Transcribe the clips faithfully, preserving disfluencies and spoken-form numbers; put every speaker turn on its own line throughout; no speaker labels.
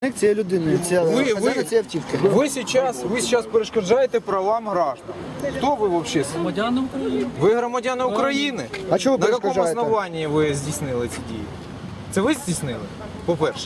Цієї людини, ця
Ви,
хазяїна
ви,
цієї автівки.
ви сейчас, ви сейчас перешкоджаєте правам граждан. Хто ви вообще?
Громадяни України.
Ви громадяни України?
А чого ви
На якому
перешкоджаєте?
основанні ви здійснили ці дії? Це ви здійснили? По-перше.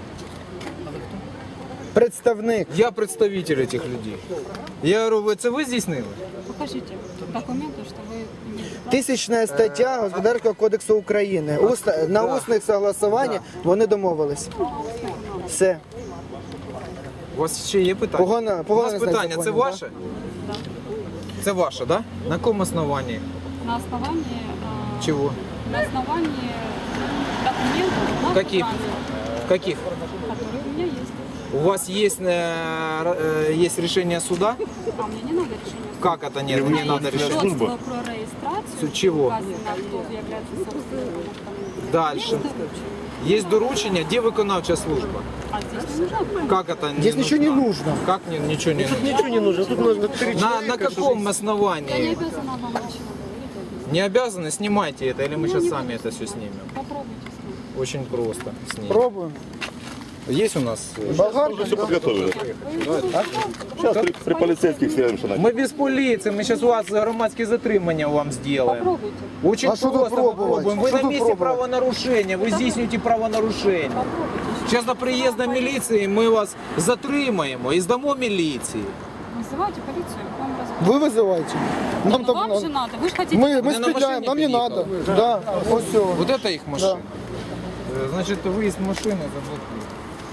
Представник.
Я представитель этих людей. Я говорю, ви це ви здійснили?
Покажите документы, что вы имеете право.
Тисячна стаття Господарського кодексу України. Уста- на усних согласуваннях вони домовились. Все.
У вас ще є питання?
Погано-
У
погано
нас
знаю
питання, це
закони,
ваше? Це ваше, да? На якому основанні?
На основании, а,
Чего?
на основании документов на
Каких?
транспорт,
Каких?
которые у меня есть.
У вас есть, э, э, есть решение суда?
А мне не надо решение суда.
Как это нет?
У
Не
меня
надо
есть
решение.
свидетельство про регистрацию.
Чего?
Указано, кто является собственником автомобиля.
Дальше.
Есть доручение.
Есть доручення, де виконавча служба?
А здесь не нужно.
Как это
Здесь ничего не нужно.
Как не, ничего не нужно?
Ничего не нужно, тут нужно три
На, на каком основании?
Я не обязана вам ничего говорить.
Не обязаны, снимайте это, или мы сейчас сами это все снимем.
Попробуйте с ним.
Очень просто снимем.
Пробуємо.
Есть у нас? э,
Болгарка.
все подготовили. Сейчас при, при полицейских свяжемся.
Мы без полиции, мы сейчас у вас громадские затримання вам сделаем.
Попробуйте.
Очень
А что тут
просто
пробовать?
попробуем. Вы
Что
на
тут
месте
пробовать?
правонарушения, вы здійснюєте правонарушення.
Попробуйте.
Сейчас до приезда милиции мы вас затримаємо і здамо міліції.
Вызывайте полицию, вам разберут.
Ви визивайте. Нам
Ну,
там,
вам же надо, вы же хотите...
ми, ми
Вони на
спідляємо,
машині
нам не
під'їхали.
треба. Да. Ось все.
Вот это их машина. Э, Значит, выезд машины заблокируют.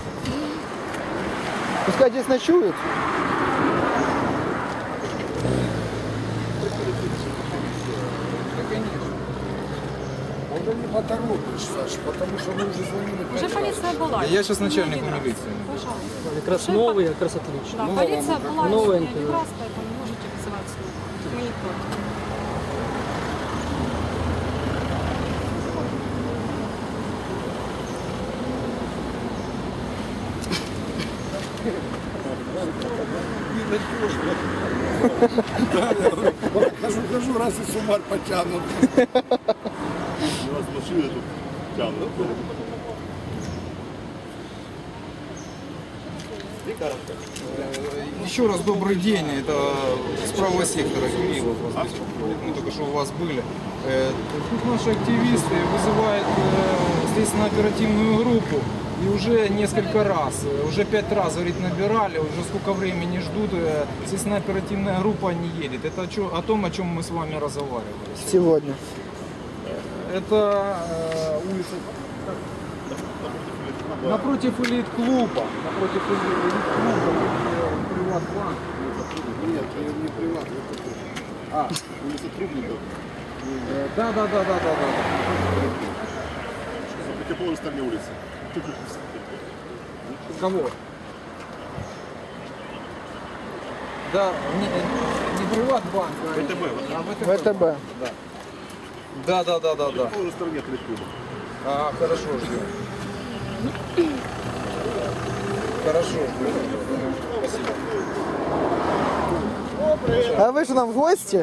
Пускай здесь ночують.
Уже полиция была.
Я сейчас начальник милиции.
Пожалуйста.
Якраз новий, якраз отлично.
Да, полиция была
Новая
сегодня
НТВ.
раз, поэтому можете вызывать снова. Мы не против.
Хожу, хожу, раз и суммар потянут. Раз машины тут тянут.
Еще раз добрый день. Это с правого сектора Кириллов вас беспокоит. Мы только что у вас были. Э, Тут наши активисты вызывают э, следственно-оперативную группу. И уже несколько раз, э, уже пять раз, говорит, набирали, уже сколько времени ждут, э, следственно-оперативная группа не едет. Это о, чё- о том, о чем мы с вами разговаривали.
Сьогодні.
Это э, улица напротив элит-клуба. Напротив элит-клуба. Приват-банк.
Нет, не приват, это тут. А, улица Трубников.
Э, Да, да, да, да, да, да.
На противоположной стороне улицы.
Кого? Да, не, не приват-банк, а
ВТБ,
а ВТБ.
ВТБ.
Да, да, да, да,
На
да.
противоположной стороне от клуба.
А, хорошо, ждем. Хорошо, ждем. Спасибо.
А ви ж нам в гості?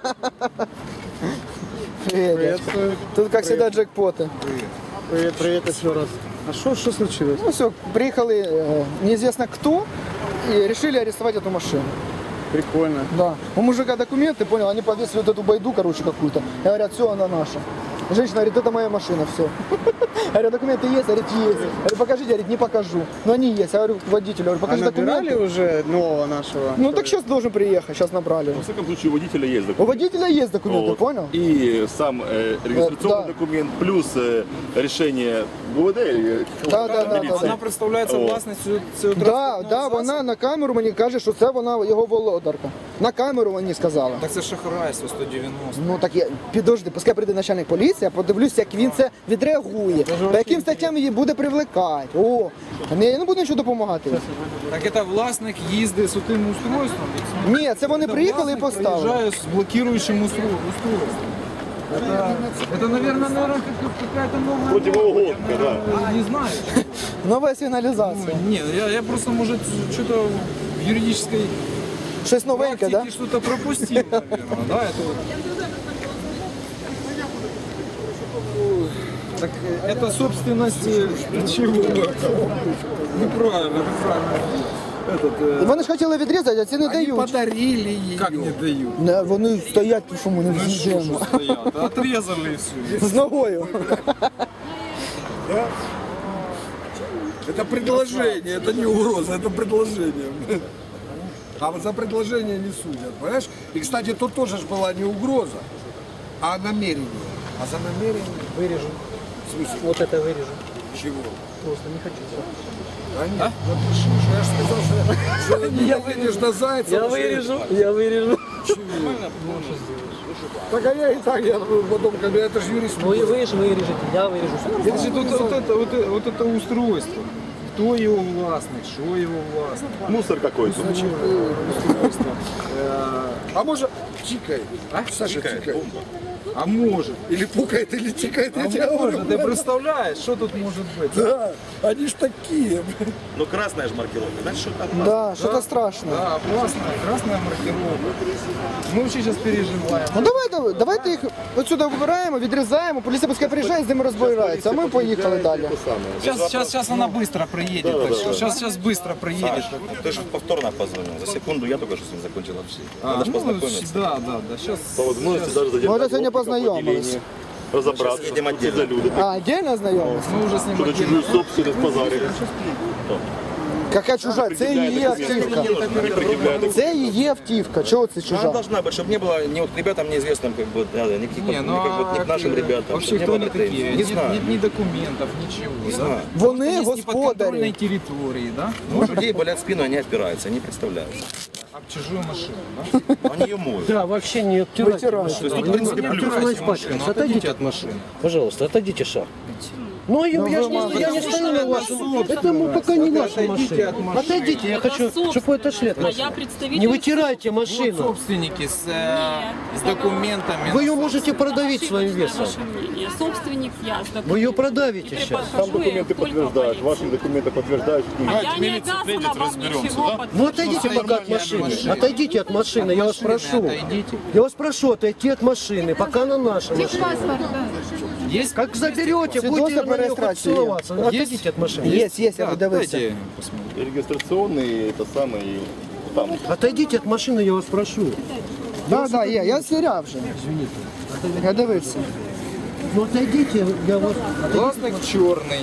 Привет. Тут, как всегда, джекпоты.
Привет, привет еще раз. А что, что случилось?
Ну все, приехали э, неизвестно кто и решили арестовать эту машину.
Прикольно.
Да. У мужика документы, понял, они повесили вот эту байду, короче, какую-то. И говорят, все, она наша. Женщина говорит, это моя машина, все. Я говорю, документы есть? Говорит, есть. Я говорю, покажите, говорит, не покажу. Но они есть. Я говорю, водителю, говорю, покажи
А набирали
документы.
уже нового нашего?
Ну так сейчас должен приехать, сейчас набрали.
Во всяком случае, у водителя есть
У
документ.
водителя есть документы,
Вот.
понял?
И сам э, регистрационный
да.
документ, плюс э, решение ГУВД или
Да, да, да,
милиции.
да.
Вона представляється
О.
власністю цього
Да,
транспортного
да,
засобу?
вона на камеру мені каже, що це вона його володарка. На камеру мені сказала.
Так це шахрайство сто дев'яносто.
Ну так я підожди, пускай прийде начальник поліції, я подивлюся, як він це відреагує. По яким статтям її буде привлекати. О, не, я не буду нічого допомагати.
Так це власник їздить з тим устройством?
Ні, це вони
Це
приїхали і
власник
поставили.
приїжджає з блокируючим устрой- устройством. Это, это, наверное, наверное, какая-то новая...
Противоугонка,
Я,
да.
наверное, Не знаю.
Нова сигналізація.
Нет, я, я просто, может, что-то в юридической
Щось новеньке,
практике
да?
что-то пропустил, наверное, да? Это вот. Так э, это собственность э, чего? Неправильно, неправильно. Этот,
І
э,
вони ж хотіли відрізати, а ці не
Они
дають.
подарили ее.
как не дают?
Не, вони стоять, тому що ми не
Ну что ж
з'їжджаємо.
стоят? Отрезали и все.
З ногою.
Это предложение, это не угроза, это предложение. А вот за предложение не судят, понимаешь? И, кстати, тут тоже ж была не угроза, а намерение. А за намерение
Вырежу.
в смысле
Вот это вырежу.
чего?
Просто не хочу.
Да нет, напиши, что я же сказал, что, что не едешь на Зайцева.
Я
что-
вырежу, я вырежу.
Так а я и так, я потом, когда это же юрист.
Вы, вы же вырежете, я вырежу. Всё нормально.
Значит, вот, вот, это, вот, это- вот это устройство. Кто его властник, что его властник.
Мусор какой-то.
Устройство. Э,
А может, чикает.
А?
Саша,
Чикает.
чикает.
А может.
Или пукает, или чикает, я
А
тебе говорю.
может. Ты представляешь, что тут может быть?
Да, они ж такие.
Ну красная же маркировка, значит, что там
Да, що-то страшне.
Да, красная, красная маркировка. Мы вообще сейчас переживаем.
Ну давайте, давайте їх отсюди вибираємо, відрізаємо, поліція пускай приїжджає, з ними розбирається, а ми поїхали далі.
Сейчас, сейчас, сейчас она быстро приедет. Так что сейчас, сейчас быстро приедет.
ты же повторно позвонил. За секунду я только что с ним закончил общение.
А,
Надо же
ну,
познакомиться.
да, да, да. Сейчас.
По возможности даже
Ми
задержать
вже сьогодні
опытников
познайомились.
отделения, разобраться,
Сейчас едем
что
отдельно.
за люди,
А, отдельно знайомились?
Мы уже с ним
кто-то
отдельно.
чужую собственность позарили.
Яка чужа? Це її автівка.
Не предъявляют.
Це її автівка. Чого це
Она
чужа?
должна быть, чтобы не было ни вот ребятам неизвестным, как бы, да, да, никаких,
Не,
вот,
ну
ни, как бы, ни
а
к нашим
э,
ребятам.
вообще
чтобы не
кто
было
они такие?
претензий. Не
Ни,
знаю.
ни, ни документов, ничего.
Не
да?
знаю.
Вони
Есть неподконтрольной
господарі.
территории, да?
Ну, у людей болят спину, они опираются, они представляют.
Об чужую машину, да?
Они ее моют.
Да, вообще не обтирайте.
Вытирай.
То есть тут, в принципе, плюс.
Убирайте машину, отойдите от машины.
Пожалуйста, отойдите шаг. Ну, я, я, ж не, я не стою на вашем. Это мы пока не наша
Отойдите
машина.
от машины.
Отойдите, я хочу, чтобы вы отошли от
А я
машины.
представитель...
Не вытирайте
Вот
машину.
собственники с, э, с документами.
Вы ее можете продавить своим весом.
Ваше мнение. Собственник я. с
Вы ее
документами.
продавите
И
сейчас.
прихожу
Там
я
документы
только
подтверждают,
в
ваши
полицию.
документы подтверждают.
А я не обязана вам ничего
Ну отойдите пока от машины. Отойдите от машины, я вас
машины
прошу.
отойдите.
Я вас прошу отойти от машины, пока на нашей машине.
Есть?
Как заберете,
Свидетельство
будете
про
на нее
реєстрацію є.
целоваться. Отойдите от машины.
Є, є, я
Да,
подивився.
дайте я посмотрю.
И регистрационные, это самое, и там.
Отойдите от машины, я вас прошу.
Так, так, є, я звіряв вже. Я дивився.
Ну отойдите, я вас...
Власник чорний.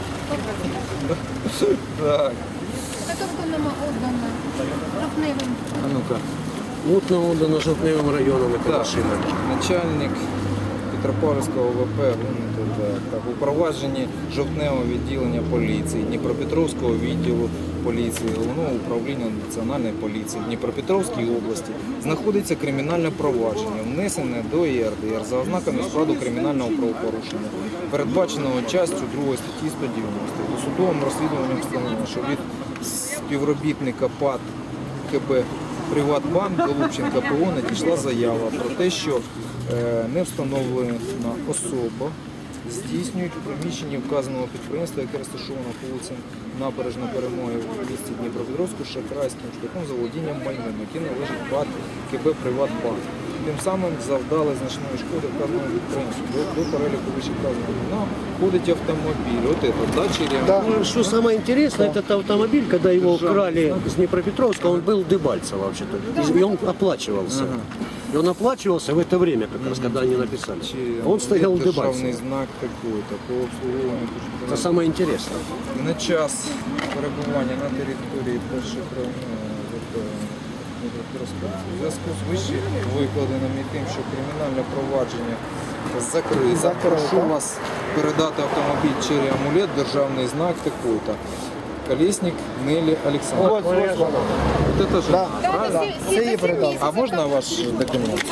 Так,
Яка виконана отдана жовтневим.
а ну-ка.
Вот на отдано жовтневым районом эта
Так,
машина.
начальник Петропавлівського ОВП ГУНТ, так, у провадженні жовтневого відділення поліції, Дніпропетровського відділу поліції, Головного управління Національної поліції в Дніпропетровській області знаходиться кримінальне провадження, внесене до Є Ер Де Ер за ознаками складу кримінального правопорушення, передбаченого частю другої статті сто дев'яносто. Досудовим розслідуванням встановлено, що від співробітника ПАТ КБ Приватбанк Голубченка Пе О надійшла заява про те, що е, не встановлена особа здійснюють у приміщенні вказаного підприємства, яке розташовано по вулиці Набережна Перемоги в місті Дніпропетровську шахрайським шляхом заволодінням майном, яке належить ПАТ КБ Приватбанк. Тим самим завдали значної шкоди вказаному підприємству. До, до переліку вищевказаного майна входить автомобіль. От это, да, черемша?
Да.
Ну, что самое интересное, этот автомобиль, когда его украли с Днепропетровска, он был Дебальцево вообще-то. И он оплачивался. И он оплачивался в это время, как раз, когда они написали.
Чи
Он стоял в
державний
Дебальцево.
знак такой-то по обслуговуванню.
Это самое интересное.
На час перебування на території перших у зв'язку з вище викладеним і тим, що кримінальне провадження закрите.
Закрите.
Прошу вас передати автомобіль «Черри Амулет», державний знак такой-то. Колесник Нелі Олександровна.
Ось, ось вона.
Вот это же.
Да, да, це її передав.
А можна ваш документ?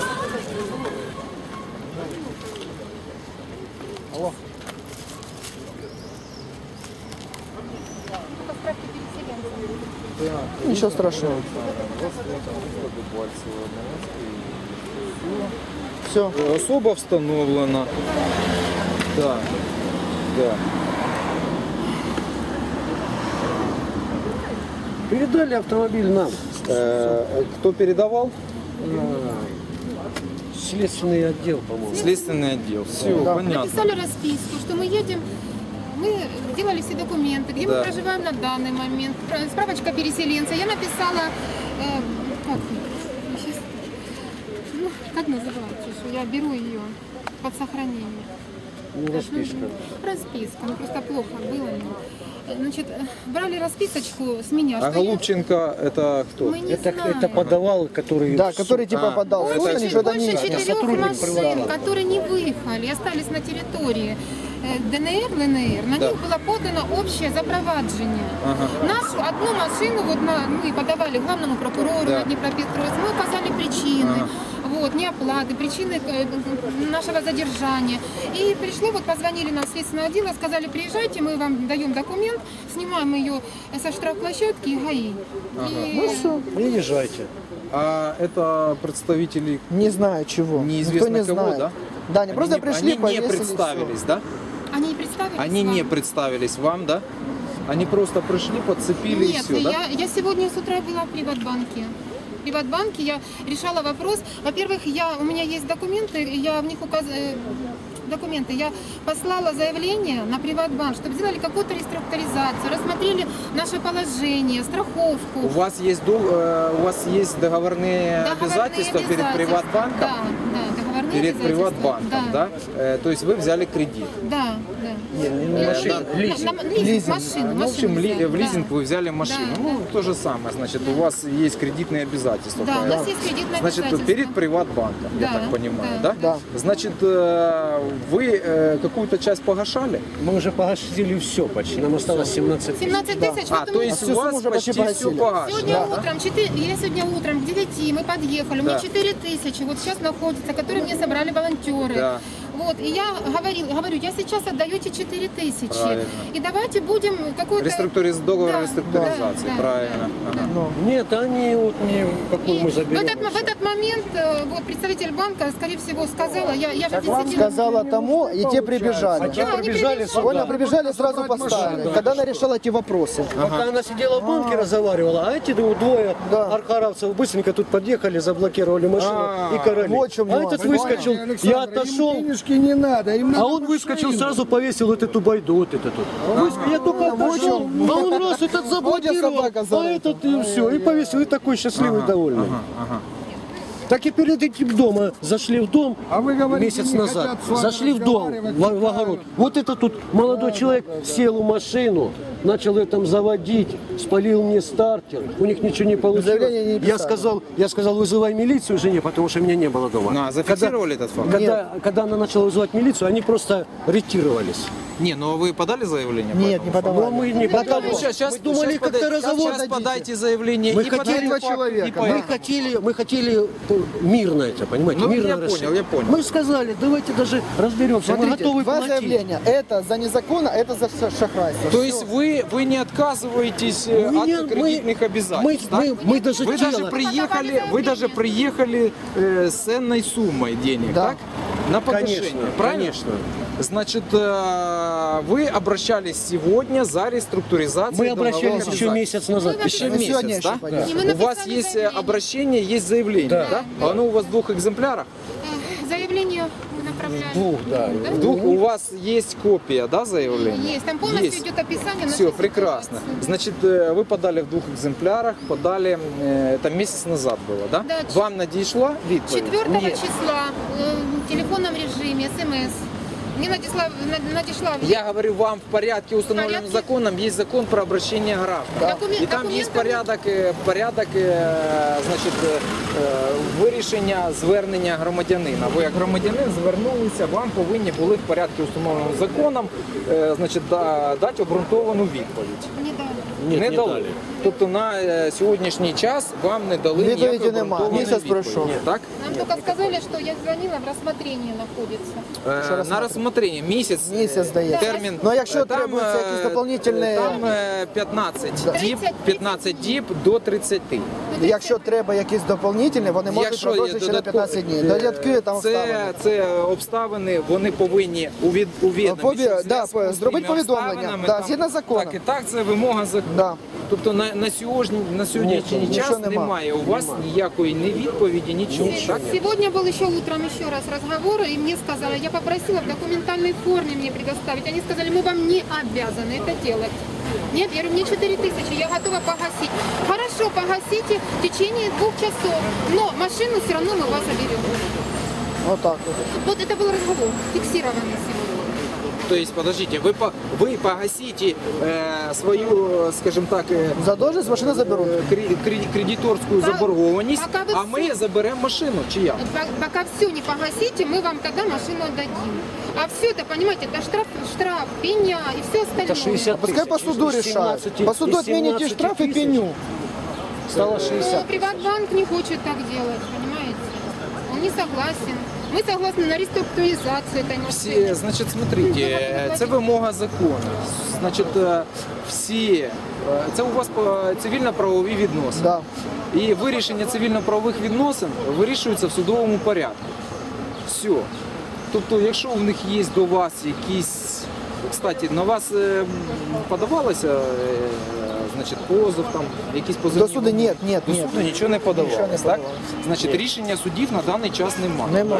Справки переселенцев.
Нічого страшного. Все.
Особа встановлена. Так. Так.
Передали автомобиль нам.
Кто передавал?
Следственный отдел, по-моему.
Следственный отдел. Все,
Да.
понятно.
Написали расписку, что мы едем, мы делали все документы, где
Да.
мы проживаем на данный момент, Про- справочка переселенца. Я написала, э, как, щас, ну, как называется, что я беру ее под сохранение.
Ну, расписка.
Расписка, ну просто плохо было мне. Значит, брали расписочку с меня.
А
что я-
Голубченко это кто?
Мы не
Это,
знаем.
это подавал, который...
Да,
в суд.
который типа
А,
подал в
это
суд,
очень-
они что-то
Больше
не
четырех
сотрудник
машин,
приватного.
которые не выехали, остались на территории э, ДНР, ЛНР, на
Да.
них было подано общее запроваджение.
Ага.
Нашу одну машину вот на, мы подавали главному прокурору
Да.
на Днепропетровск, мы указали причины.
Ага.
Вот, неоплаты, причины э, нашего задержания. И пришло, вот позвонили нам в следственное отдел, сказали, приезжайте, мы вам даем документ, снимаем ее со штрафплощадки и ГАИ. И
Приезжайте.
А это представители
Не знаю чего.
неизвестно
Никто не
кого,
знает.
да?
Да, они, просто
не-
пришли,
они не
повесили,
представились, да?
они и представились
Они
вам?
не представились вам, да? Они просто пришли, подцепили и
Нет,
все, да?
я, я сегодня с утра была в Приватбанке. В Приватбанке я решала вопрос. Во-первых, я, у меня есть документы, я в них указываю документы. Я послала заявление на Приватбанк, чтобы сделали какую-то реструктуризацию, рассмотрели наше положение, страховку.
У вас есть дол- э, у вас есть договорные,
договорные
обязательства перед
обязательства.
Приватбанком?
Да, да, договорные
Перед
обязательства.
Приватбанком,
Да,
да? Э, то есть вы взяли кредит.
да, да.
Не, не, не
Э,
машина.
на-
лизинг.
на- лизинг,
Лизинг.
машину,
Ну, в общем,
машину
ли-
взяли,
в лизинг
да.
вы взяли машину.
Да,
ну,
да.
то же самое, значит, у вас есть кредитные обязательства.
Да, у
правильно?
нас есть кредитное
Значит,
обязательство.
перед Приватбанком, я
Да,
так понимаю, да?
да.
Да.
Значит, э, вы э, какую-то часть погашали?
Мы уже погасили все почти. Нам осталось семнадцать тысяч.
семнадцать тысяч.
А,
вот
то
у меня-
есть
всю
у вас
сумму уже
почти
почти
все
погасили.
погашено.
Сегодня
да?
утром, четыре, я сегодня утром к девяти мы подъехали, у меня
Да.
четыре тысячи, вот сейчас находится, которые мне собрали волонтеры.
Да.
Вот, и я говорил, говорю, я сейчас отдаю эти четыре тысячи.
Правильно.
И давайте будем какой-то...
Реструктуриз... Договор
Да,
реструктуризации,
да, да,
правильно.
да,
Ага.
Ну,
Нет, они вот не какую
И
мы
в,
заберем.
этот, в этот момент э, вот представитель банка, скорее всего, сказала, я, я же
вам
действительно...
сказала тому, и те прибежали.
А те
Да, они
прибежали
прибежали.
Понял,
сюда.
прибежали, сразу поставили. Когда она решала эти вопросы.
Пока она сидела в банке, разговаривала, а эти ну, двое
Да.
архаровцев быстренько тут подъехали, заблокировали машину
А,
и короли.
вот в чем
а
нюанс.
этот выскочил, я отошел,
Им денежки не надо, им надо
а он выскочил, сразу повесил вот эту байду, вот это тут. Выскочил, я только отошел, а он раз этот заблокировал,
собака
а
зарыта.
этот и все, и повесил, и такой счастливый, довольный. Так и перед этим дома зашли в дом
А вы говорите,
месяц
не
назад,
хотят с вами
зашли в дом,
разговаривать,
в, в огород. Вот это тут молодой человек сел в машину, начал ее там заводить, спалил мне стартер, у них ничего не получилось.
Заявление не
я
писали.
сказал, я сказал, вызывай милицию жене, потому что меня не было дома.
Ну, а зафиксировали этот факт?
Когда, когда она начала вызывать милицию, они просто ретировались.
Не, ну вы подали заявление? по
Нет,
этому
не
факту?
подавали.
Но мы не подали.
Ну, сейчас, сейчас,
мы думали,
сейчас
как-то
подай-
разговор
Сейчас
дадите.
подайте заявление
Мы
и
хотели
подали
два
факт,
человека,
и
да.
Мы
поехали.
хотели, мы хотели э, мирно это, понимаете,
Ну,
мирно
я
решить.
понял, я понял.
Мы сказали, давайте даже разберемся, мы
Смотрите,
готовы
два
платить.
заявления. Это за незаконно, это за ша- шахрайство.
То
Всё.
есть вы, вы не отказываетесь э,
Мы
от
не- мы-
кредитных обязательств,
мы-
да?
мы- мы даже
вы
тело-
даже приехали, вы даже приехали э, с ценной суммой денег,
Да.
так? На погашение,
Конечно,
правильно?
конечно.
Значит, э, вы обращались сегодня за реструктуризацию
Мы обращались
долговых
еще
обязательств.
месяц назад.
Мы
Еще
Мы сегодня
месяц,
еще
да?
пойдем.
И мы
У вас
написали
есть э,
заявление.
обращение, есть заявление, да?
Да.
Оно у вас в двух экземплярах?
Э, Заявление мы направляем.
Двух, да.
В двух у вас есть копия, да, заявления?
Есть, там полностью
Есть.
идет описание нашей
Все, прекрасно.
ситуации.
Значит, э, вы подали в двух экземплярах, подали, э, это месяц назад было, да?
Да,
Вам надійшла відповідь?
четвертого
Ні.
числа э, в телефонном режиме, смс. Мне надешла, над- надешла
Я говорю вам, в порядке, установленном
порядке?
законом, есть закон про обращение граждан.
Документ-
И там есть
документы-
порядок, е, порядок е, значить, е, е, вирішення звернення громадянина. Ви як громадянин звернулися, вам повинні були в порядку, установленому законом, е, значить, да- дати обґрунтовану відповідь.
не дали.
Ні,
не
не
дали.
дали.
Тобто на е, сьогоднішній час вам не дали
Відповіді
ніякої
нема.
обґрунтованої
Місяць
відповіді.
пройшов.
Так?
Нам только сказали, что я звонила, в рассмотрении находится.
Е, На розсмотрення місяць,
Місяць дає.
термін.
Ну, а якщо
Е,
требується
е,
якісь дополнительні-
Там е, п'ятнадцять діб,
тридцять
п'ятнадцять діб до тридцяти.
Якщо треба якісь доповнительні, вони можуть
Якщо є
продовжити ще на
додаткові-
п'ятнадцять днів. Додатки там
це,
вставлені.
це обставини, вони повинні увід- увідомити.
Пові-
що в
да,
зв'язку з
зробити
тими
повідомлення.
обставинами
Да,
там-
згідно закону.
Так, і так, це вимога закону.
Да.
Тобто на, на сьогодні на сьогоднішній
Ні,
час
нічого нема.
немає у вас ніякої ні відповіді, нічого. Так?
Сегодня был еще утром еще раз разговор, и мне сказали, я попросила в документальной форме мне предоставить. Они сказали, мы вам не обязаны это делать. Нет, я говорю, мне четыре тысячи, я готова погасить. Хорошо, погасите в течение двух часов, но машину все равно мы вас заберем.
Вот так вот.
Вот это был разговор, фиксированный сегодня.
То есть, подождите, вы, по, вы погасите э, свою, скажем так, э,
Задолженность машины заберут.
кре- кре- кредиторську
Та-
заборгованість,
пока ви
а
всі-
ми заберемо машину. Чи як?
По- Пока все не погасите, мы вам тогда машину отдадим. А все это, понимаете, это штраф, штраф, пеня и все остальное.
Это шестьдесят
Пускай по
тысяч.
суду
Из
решают.
семнадцати-
По суду
из
отмените
семнадцати
штраф и
тысяч
пеню.
Стало
Но
шестьдесят.
Приватбанк не хочет так делать, понимаете? Он не согласен. Мы согласны на реструктуризацию этой
Всі,
машины.
значить, смотрите, е, це вимога закону. Значить, е, всі, е, це у вас е, цивільно-правові відносини.
Да.
І вирішення цивільно-правових відносин вирішується в судовому порядку. Все. Тобто, якщо в них є до вас якісь, кстати, на вас е, подавалося, е, значить, позов, там, якісь позовні?
До суду ні, ні,
До
ні.
суду нічого не подавалося,
Нічого не
так?
подавалося.
Значить, рішення судів на даний час немає.
Нема.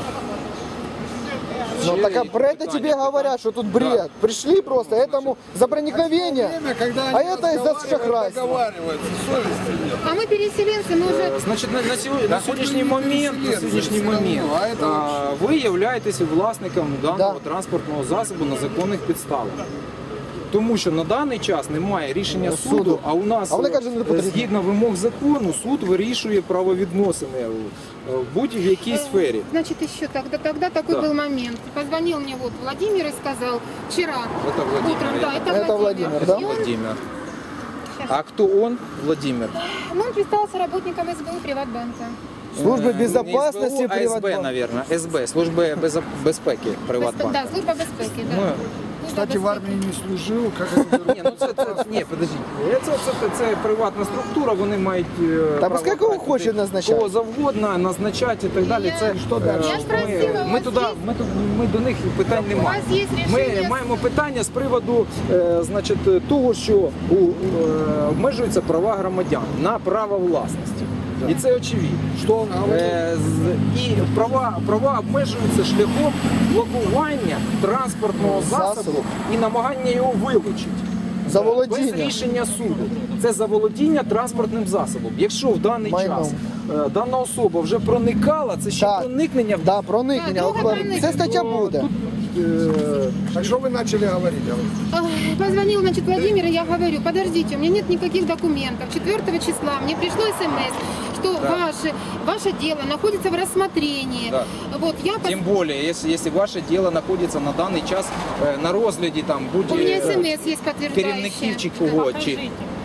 Ну так а про это тебе говорят, что тут бред. Пришли просто этому за проникновение,
Время, когда
а
они
это из-за
разговаривают,
шахрайства.
договариваются, совести нет.
А мы переселенцы, мы уже...
Значить, на, на, сьогодні, на сьогоднішній
ви
момент, на
переселенці,
сьогоднішній
все
момент
одно, а це
а, ви являєтесь власником даного
Да.
транспортного засобу на законних підставах. Тому що на даний час немає рішення суду,
Суду.
а у нас
А вони
е,
кажуть, не потрібно.
згідно вимог закону суд вирішує правовідносини е, в будь-якій сфері.
Значит, еще тогда, тогда такой
Да.
был момент. Позвонил мне вот Владимир и сказал, вчера
Это Владимир,
утром,
я
да, это,
Это Владимир, да?
И он,
Владимир. А хто он? Владимир.
ну, он представился работником СБУ Приватбанка.
Службы
Е,
безопасности
не СБУ, а СБ,
Приватбанка.
наверное. СБ, Служби безо- безпеки Приватбанка.
Да, служба безпеки, да.
Ну,
Служба
Кстати, в
безпеки.
армии не служил, как это
Ні, ну це, це ні, подождіть. Це, це, це, це приватна структура, вони мають е,
Та пускай
право
кого
брати
хоче
туди
назначати.
кого завгодно, назначати і так далі.
Я-
Це що далі?
Я ж просила,
Ми,
у
ми
вас
туди,
є-
ми, ту- ми до них питань
У
немає.
вас є
Ми
рішення?
маємо питання з приводу е, значить, того, що у, е, обмежуються права громадян на право власності. І це очевидно.
Что он говорит?
Е, з- І права, права обмежуються шляхом блокування транспортного засобу
Засобу.
і намагання його вилучити.
За
Без
володіння.
рішення суду. Це заволодіння транспортним засобом. Якщо в даний
Майном.
час е, дана особа вже проникала, це ще
Так.
проникнення в
Да, проникнення.
Да,
От,
друге проникнення.
Це стаття буде.
е,
Так что вы начали говорить?
Ах, Позвонил, значит, Владимир, и я говорю, подождите, у меня нет никаких документов. четвёртого числа мне пришло смс, что ваше, ваше дело находится в рассмотрении.
Да.
Вот, я пос-
Тим більше, якщо, якщо ваше діло знаходиться на даний час е, на розгляді там
У меня
будь-яких
смс есть подтверждающее.
керівників чи кого, чи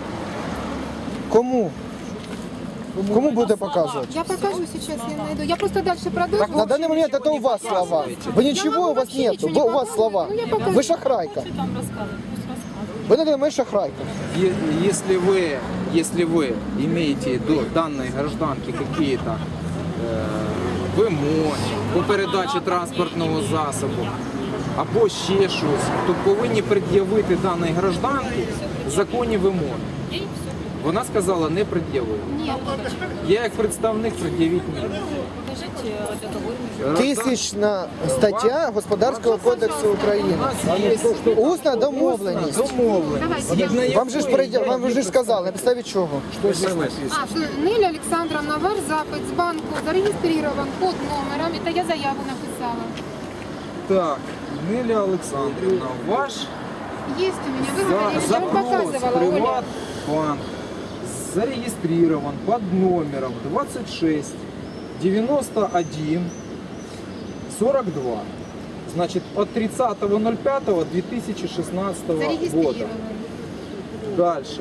Кому? Кому буде показувати?
Я покажу сейчас, я найду. Я просто дальше продолжу.
На данный момент это у вас слова. Вы ничего у вас нету. Вы- У вас слова.
Ну, я покажу.
Вы шахрайка.
Что там рассказывать? Пусть рассказывает.
Вы на данный момент шахрайка.
Е- Если вы, если вы имеете до данной гражданки какие-то е, вимоги по передачі транспортного засобу або ще щось, то повинні пред'явити даній гражданці законні вимоги. Вона сказала, не пред'явила.
Нет.
Я як представник пред'явити не буду.
Покажите договор.
Тисячна стаття Господарського кодексу України. Усна домовленість.
Домовленість. Згідно
Вам же ж
якої
передя- вам же ж сказали, на підставі чого?
А, что Неля Александровна, ваш запит с банку зарегистрирован под номером. Это я заяву написала.
Так, Неля Олександрівна, ваш
Есть у меня, вы
За-
говорили, я вам
запрос
показывала, Оля.
Приватбанк зарегистрирован под номером двадцать шесть девяносто один сорок два. Значит, от тридцатого ноль пятого две тысячи шестнадцатого года.
Зарегистрирован.
Дальше.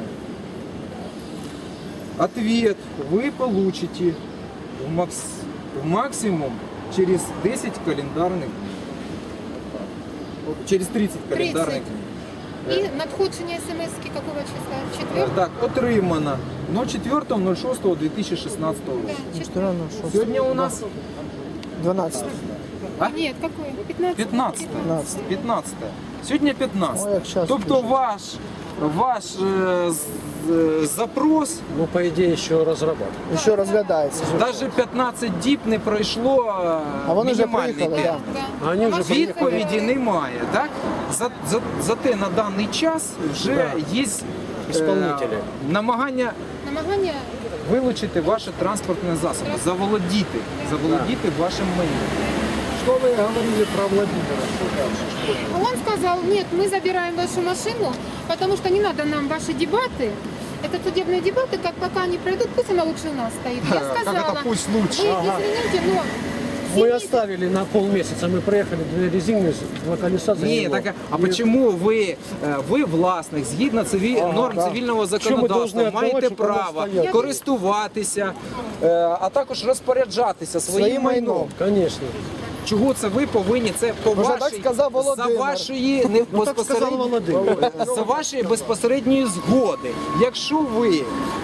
Ответ вы получите в, макс... в максимум через десять календарных дней. Через тридцать календарных дней.
И надходження смс-ки какого числа? Четвертого?
Так, отримано четвертого ноль шостого две тысячи шестнадцатого року.
Да, четвертого.
Сьогодні у нас
дванадцять.
А?
Нет, какой? пятнадцатого.
пятнадцатое.
пятнадцять.
пятнадцатое. Сьогодні
Ой, як
пятнадцяте.
час
Тобто
пише.
ваш ваш е, з- е, запрос,
Ну, по идее, еще разрабатывают.
Ще розглядається.
навіть п'ятнадцять діб не пройшло е,
А вони вже
мінімальний
приїхали,
термін.
так.
Да.
Они уже
Відповіді немає, так? За, за, зате на даний час вже
Да.
є е,
Исполнители.
намагання
Намагання
вилучити ваше транспортне засоби, заволодіти, заволодіти вашим майном.
Что вы говорили про Владимира? Что дальше? Что?
Он сказал, нет, мы забираем вашу машину, потому что не надо нам ваши дебаты. Это судебные дебаты, как пока они пройдут, пусть она лучше у нас стоит. Я
Как
сказала,
это пусть лучше?
вы извините, но
Мы
семьи-
оставили на полмесяца, мы проехали две резины, два колеса за
Ні,
него.
так, а почему ви, е, ви власник, згідно циві... норм
да.
цивільного
Чому
законодавства,
ми должны
маєте
віддавати, щоб воно
право
стояло?
користуватися, е, а також розпоряджатися своїм
Своїм майном.
майном.
Конечно.
Чого це ви повинні? Це по
Може,
вашій,
так сказав
за
Володимир.
вашої не
Ну, так сказал
безпосередньої
Володимир.
за вашої безпосередньої згоди. Якщо ви